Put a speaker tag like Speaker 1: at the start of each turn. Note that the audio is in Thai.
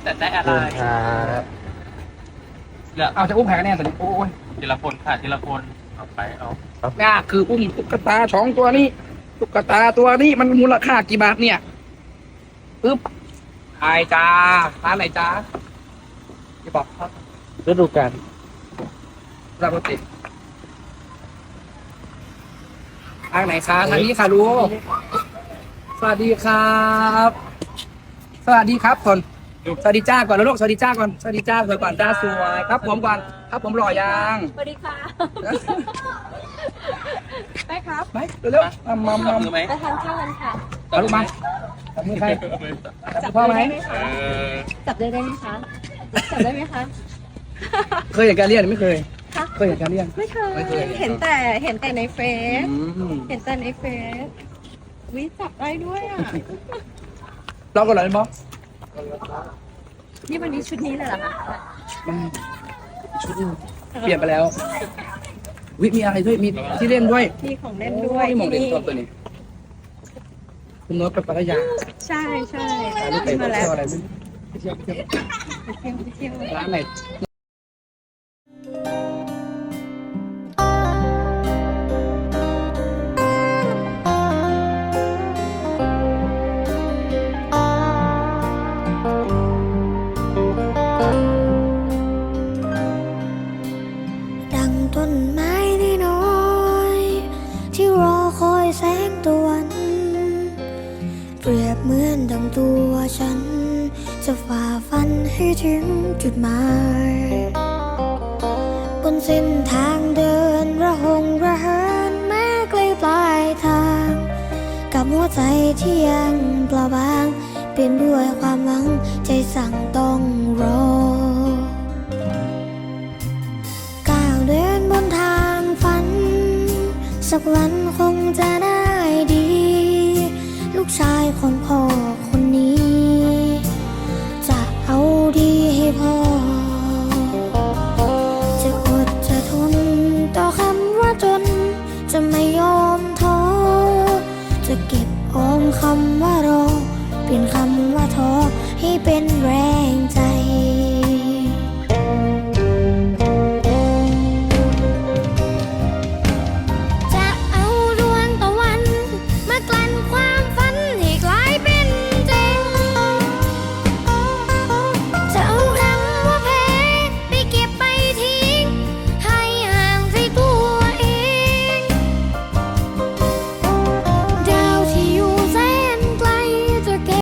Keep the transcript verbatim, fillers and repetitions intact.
Speaker 1: แต่ได้อะไร
Speaker 2: ครับ
Speaker 1: เหลือ
Speaker 3: เอาจะอุ้มใครกันแน่ตอนนี้โอ้ย
Speaker 1: ทีละคนค่ะทีละคนเอาไปเอา
Speaker 3: นี่คืออุ้มตุ๊กตาสองตัวนี้ตุ๊กตาตัวนี้มันมูลค่ากี่บาทเนี่ยปึ๊บไอจ้าร้านไหนจ้าจะบอกครับ
Speaker 2: ฤดูกาล
Speaker 3: รับรถติดทางไหนคะทางนี้ค่ะลูกสวัสดีครับ สวัสดีครับคนสวัสดีจ้าก่อนแล้วลูกสวัสดีจ้าก่อนสวัสดีจ้าสวยก่อนจ้าสวยครับผมก่อนครับผมหล่อยัง
Speaker 4: สวัสดีค่ะไปครับ
Speaker 3: ไหมเร็วๆมามามา
Speaker 1: มือไหม
Speaker 4: ไปทานข้าวกันค่ะ
Speaker 3: เอาลูกมาจับมือใครจับพ่อไหม
Speaker 1: เออ
Speaker 4: จับได้ได้ไหมคะ จับได้ไหมคะ
Speaker 3: เคยเห็นการเรียนไม่เคย
Speaker 4: คะ
Speaker 3: เคยเห็นการเรียน
Speaker 4: ไม่เค
Speaker 3: ไม่เคย
Speaker 4: ย เห็นแต่เห็นแต่ในเฟซ
Speaker 3: อืม
Speaker 4: เห็นแต่ในเฟซวิจับได้ด้วยอ่ะ
Speaker 3: เราก็เลยบอส
Speaker 4: นี่วันนี้ชุดนี้เลยเหรอคะ
Speaker 3: ชุดเปลี่ยนไปแล้ววิมีอะไรด้วยมีที่เล่นด้วย
Speaker 4: มีของเล่นด้วย
Speaker 3: โอ้มองเด็ก
Speaker 4: ที่
Speaker 3: ตัวตัวนี้คุณโน้ตไปปัทยา
Speaker 4: ใช่ใช่
Speaker 3: พาลูกไป
Speaker 4: มา
Speaker 3: เที่
Speaker 4: แล้
Speaker 3: ยว วอะไรไม่รู้ไปเที่ยวไปเที่ยว
Speaker 4: ไปเที่ยวไปเที่ยว
Speaker 3: ร้านไหน
Speaker 5: ดังต้นไม้ที่น้อยที่รอคอยแสงตะวันเปรียบเหมือนดังตัวฉัน จะฝ่าฟันให้ถึงจุดหมายบนเส้นทางเดินระหงระเหินแม้ไกลปลายทาง กับหัวใจที่ยังเปล่าบางเปลี่ยนด้วยความหวังใจสั่งต้องรอ ก้าวเดินบนทางฝัน สักวันคงจะได้ดี ลูกชายของพ่อคนนี้ จะเอาดีให้พ่อ จะอดจะทนต่อคำว่าจน จะไม่ยอมท้อ จะเก็บออมคำว่ารอ เปลี่ยนคำว่าท้อให้เป็นแรง